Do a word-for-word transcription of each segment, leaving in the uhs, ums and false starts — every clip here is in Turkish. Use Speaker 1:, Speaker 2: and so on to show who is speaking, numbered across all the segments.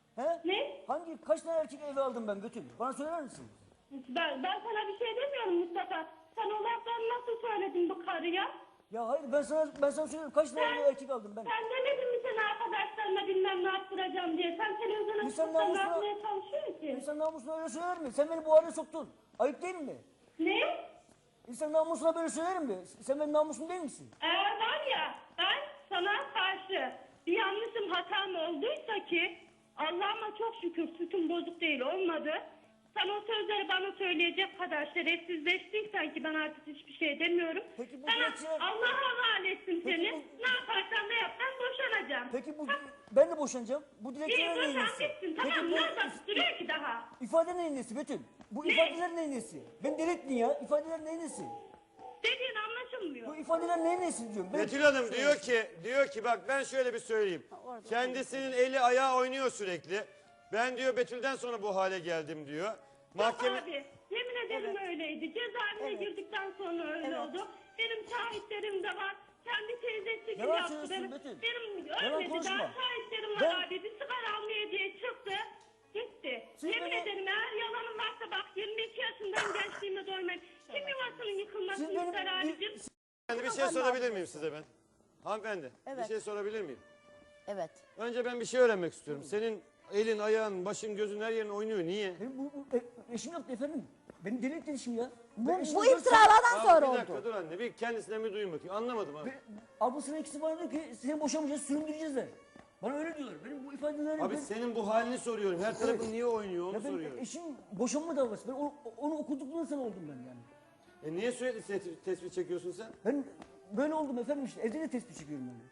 Speaker 1: He?
Speaker 2: Ne?
Speaker 1: Hangi, kaç tane erkek eve aldım ben Betül? Bana söyler misin?
Speaker 2: Ben, ben sana bir şey demiyorum Mustafa. Sen o lafları nasıl söyledin bu karıya?
Speaker 1: Ya hayır ben sana ben sana söylüyorum kaç tane eve erkek aldım ben?
Speaker 2: Sen demedin mi sen arkadaşlarına bilmem ne yaptıracağım diye? Sen televizyona
Speaker 1: İnsan
Speaker 2: çıkıp da ne
Speaker 1: namusuna-
Speaker 2: yapmaya çalışıyorsun ki?
Speaker 1: İnsan namusuna öyle söyler mi? Sen beni bu hale soktun. Ayıp değil mi?
Speaker 2: Ne?
Speaker 1: İnsan namusuna böyle söyler mi? Sen benim namusum değil misin?
Speaker 2: Eğer var ya ben sana karşı bir yanlışım hatam olduysa ki Allah'ıma çok şükür sütüm bozuk değil olmadı. Sen o sözleri bana söyleyecek kadar şerefsizleştiysen ki ben artık hiçbir şey demiyorum.
Speaker 1: Peki bu
Speaker 2: Sana
Speaker 1: dilekçeler-
Speaker 2: Allah'a havale ettim
Speaker 1: Peki
Speaker 2: seni.
Speaker 1: bu-
Speaker 2: Ne yaparsan ne yap ben boşanacağım.
Speaker 1: Peki bu ben de boşanacağım. Bu
Speaker 2: İyi
Speaker 1: dilekçeler neyin
Speaker 2: boşan
Speaker 1: nesi?
Speaker 2: gitsin
Speaker 1: Peki
Speaker 2: tamam
Speaker 1: bu
Speaker 2: ne bak duruyor ki daha.
Speaker 1: ifade neyin nesi Betül? Bu ifadeler neyin nesi? Ben delirttin ya. İfadeler neyin nesi?
Speaker 2: Dediğin anlaşılmıyor.
Speaker 1: Bu ifadeler neyin nesi diyorum. Ben-
Speaker 3: Betül Hanım diyor ki, diyor ki bak ben şöyle bir söyleyeyim. Kendisinin eli ayağı oynuyor sürekli. Ben diyor Betül'den sonra bu hale geldim diyor. Mahkeme...
Speaker 2: Yok abi yemin ederim öyleydi. Cezaevine girdikten sonra öyle oldu. Benim şahitlerim de var. Kendi teyzesi gibi
Speaker 1: Yalan
Speaker 2: yaptı.
Speaker 1: söylüyorsun
Speaker 2: Benim,
Speaker 1: Betül.
Speaker 2: benim
Speaker 1: Yalan
Speaker 2: ölmedi
Speaker 1: konuşma.
Speaker 2: daha şahitlerim var
Speaker 1: Ben-
Speaker 2: abi. Bir sigara almaya diye çıktı. Gitti.
Speaker 1: Siz
Speaker 2: yemin
Speaker 1: beni-
Speaker 2: ederim eğer yalanım varsa bak yirmi iki yaşından gençliğime doymayın. Kim yuvasının yıkılmasını
Speaker 1: Siz benim-
Speaker 2: ister abicim?
Speaker 3: Hanımefendi bir şey sorabilir miyim size ben? Hanımefendi bir
Speaker 4: Evet.
Speaker 3: şey sorabilir miyim?
Speaker 4: Evet.
Speaker 3: Önce ben bir şey öğrenmek istiyorum. Senin elin, ayağın, başın, gözün her yerin oynuyor. Niye?
Speaker 1: Benim bu, bu e, eşim yaptı efendim. Beni deli etti eşim ya.
Speaker 4: Bu,
Speaker 1: Ben eşime
Speaker 4: bu
Speaker 1: dört
Speaker 4: iftiralardan
Speaker 3: Abi,
Speaker 4: sonra
Speaker 3: bir
Speaker 4: oldu.
Speaker 3: dakika dur anne. Bir kendisine bir duyun bakayım. Anlamadım abi.
Speaker 1: sene- Ablasının ikisi bana diyor ki seni boşamayacağız, süründüreceğiz de. Bana öyle diyorlar. Benim bu ifadeleri...
Speaker 3: Abi
Speaker 1: ben,
Speaker 3: senin bu halini soruyorum. Her tarafın niye oynuyor onu
Speaker 1: ya ben
Speaker 3: soruyorum.
Speaker 1: eşim boşanma davası. Ben onu, onu okuduktan sonra oldum ben yani.
Speaker 3: E niye sürekli tespih, tespih çekiyorsun sen?
Speaker 1: Ben böyle oldum efendim işte. Evde de tespih çekiyorum ben.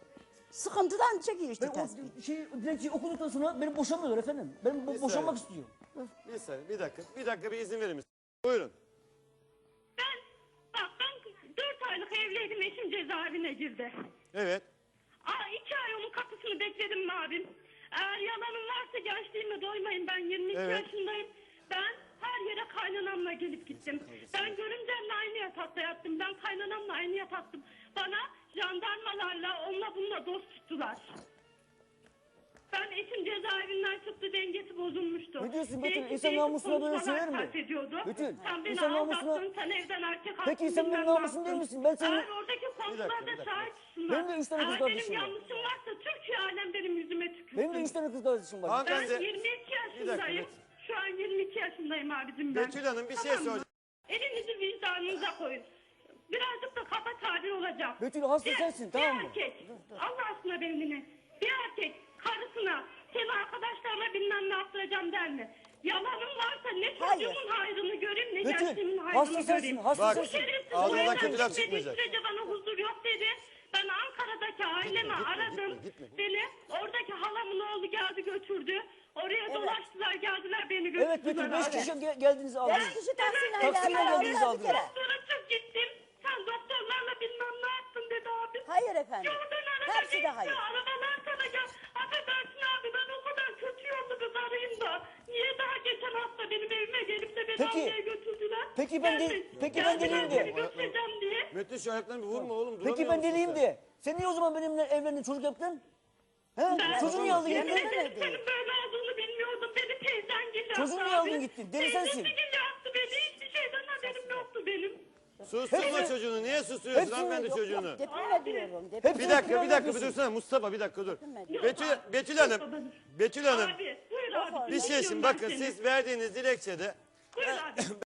Speaker 4: Sıkıntıdan çekiyor işte
Speaker 1: Ben
Speaker 4: tespih.
Speaker 1: o şey, dilekçeyi okuduktan sonra beni boşamıyorlar efendim. Ben bo-
Speaker 3: Bir
Speaker 1: boşanmak
Speaker 3: saniye.
Speaker 1: istiyorum.
Speaker 3: Bir saniye, bir dakika. Bir dakika bir izin verir misin? Buyurun.
Speaker 2: Ben bak ben dört aylık evliydim eşim cezaevine girdi.
Speaker 3: Evet.
Speaker 2: Aa, iki ay onun kapısını bekledim mi abim? Eğer yalanım varsa gençliğime doymayın. Ben yirmi iki
Speaker 3: Evet.
Speaker 2: yaşındayım. Ben her yere kaynanamla gelip gittim. Ben görümcemle aynı yatakta yattım. Ben kaynanamla aynı yataktım. Bana jandarmalarla onunla bununla dost tuttular. Ben eşim cezaevinden çıktı dengesi bozulmuştu.
Speaker 1: Ne diyorsun Betül?
Speaker 2: Değişik
Speaker 1: İnsan
Speaker 2: değişik
Speaker 1: namusuna böyle
Speaker 2: konuşmalar
Speaker 1: söyler mi?
Speaker 2: sarf ediyordu.
Speaker 1: Betül,
Speaker 2: Sen beni
Speaker 1: insan namusuna-
Speaker 2: aldattın, sen evden erkek
Speaker 1: Peki
Speaker 2: attın,
Speaker 1: sen
Speaker 2: bilmem
Speaker 1: benim
Speaker 2: ne
Speaker 1: namusum değil
Speaker 2: yaptın.
Speaker 1: misin? Ben senin-
Speaker 2: Eğer oradaki
Speaker 3: bir
Speaker 2: komşular
Speaker 3: dakika,
Speaker 2: da
Speaker 3: bir
Speaker 2: şahitsin.
Speaker 1: Benim de üç tane kız
Speaker 2: Eğer
Speaker 1: kardeşim
Speaker 2: benim
Speaker 1: var.
Speaker 2: yanlışım varsa Türkiye alem benim yüzüme tükürsün.
Speaker 1: Benim de üç tane kız kardeşim var.
Speaker 3: Hanım-
Speaker 2: Ben
Speaker 3: Ben de-
Speaker 2: yirmi iki
Speaker 3: Bir dakika,
Speaker 2: yaşındayım.
Speaker 3: Betül.
Speaker 2: Şu an yirmi iki yaşındayım abicim ben.
Speaker 3: Betül Hanım bir şey
Speaker 2: Tamam mı?
Speaker 3: soracağım.
Speaker 2: Elinizi vicdanınıza koyun. Birazcık da kaba tabir olacak.
Speaker 1: Betül, hasta
Speaker 2: Bir-
Speaker 1: sensin, tamam mı?
Speaker 2: Bir erkek, Allah aşkına beni dinle. Bir erkek karısına seni arkadaşlarına bilmem ne yaptıracağım der mi? Yalanım varsa ne
Speaker 4: Hayır.
Speaker 2: çocuğumun hayrını göreyim ne
Speaker 1: Betül,
Speaker 2: gençliğimin
Speaker 1: hasta
Speaker 2: hayrını
Speaker 1: sensin,
Speaker 2: göreyim.
Speaker 1: hasta
Speaker 3: Bak,
Speaker 2: Bu
Speaker 1: sensin.
Speaker 2: şerefsiz bu
Speaker 3: ağzından
Speaker 2: evden
Speaker 3: kötü laf
Speaker 2: gitmediği
Speaker 3: çıkmayacak.
Speaker 2: sürece bana huzur yok dedi. Ben Ankara'daki ailemi
Speaker 3: gitme,
Speaker 2: aradım.
Speaker 3: gitme, gitme.
Speaker 2: Beni oradaki halamın oğlu geldi götürdü. Oraya dolaştılar geldiler beni götürdüler.
Speaker 1: Evet Betül, beş
Speaker 2: abi.
Speaker 1: kişi gel- geldiniz aldınız.
Speaker 4: Beş kişi taksiyle
Speaker 1: Taksiyle
Speaker 4: geldiler,
Speaker 1: geldiniz,
Speaker 4: aldılar bir kere.
Speaker 1: aldınız.
Speaker 2: Doktora çık gittim. Sen doktorlarla bilmem ne yaptın dedi abi.
Speaker 4: Hayır efendim.
Speaker 2: Yoldan araba
Speaker 4: Hepsi de
Speaker 2: geçti,
Speaker 4: hayır.
Speaker 2: Arabalar sana gel. Affedersin abi ben o kadar kötü yollu kız arayayım da. Niye daha geçen hafta benim evime gelip de beni
Speaker 1: Peki,
Speaker 2: almaya götürdüler?
Speaker 1: peki ben de-
Speaker 2: Geldi-
Speaker 1: peki ben
Speaker 2: geldiler
Speaker 1: deliyim de.
Speaker 2: seni götüreceğim diye.
Speaker 3: Metin şu ayaklarını bir vurma oğlum.
Speaker 1: Peki
Speaker 3: duramıyor
Speaker 1: ben
Speaker 3: musun
Speaker 1: deliyim
Speaker 3: sen?
Speaker 1: de. Sen niye o zaman benimle evlendin, çocuk yaptın? He?
Speaker 2: Ben-
Speaker 1: Çocuğu niye aldın
Speaker 2: Yemin
Speaker 1: gittin?
Speaker 2: ederim senin böyle olduğunu bilmiyordum. Beni teyzen gibi yaptı
Speaker 1: Çocuğu niye
Speaker 2: abi.
Speaker 1: aldın gittin? Deli
Speaker 2: Teyzesi
Speaker 1: sensin.
Speaker 2: gibi yaptı beni. Hiçbir şeyden haberim yoktu benim.
Speaker 3: Susturma
Speaker 1: Hepsi-
Speaker 3: çocuğunu. Niye susturuyorsun
Speaker 1: Hepsi-
Speaker 3: hanımefendi
Speaker 4: Yok,
Speaker 3: çocuğunu?
Speaker 4: yok, deprem ediyorum. Deprem.
Speaker 1: Hepsi-
Speaker 3: Bir dakika bir dakika bir
Speaker 1: yapıyorsun.
Speaker 3: dursana Mustafa bir dakika dur.
Speaker 4: Yok
Speaker 3: Betül,
Speaker 2: abi.
Speaker 3: Betül Hanım.
Speaker 2: Yok
Speaker 3: Betül Hanım.
Speaker 2: Abi buyur abi.
Speaker 3: Bir şey
Speaker 2: dinliyorum
Speaker 3: şimdi
Speaker 2: ben
Speaker 3: bakın
Speaker 2: seni.
Speaker 3: siz verdiğiniz dilekçede
Speaker 2: Buyur abi.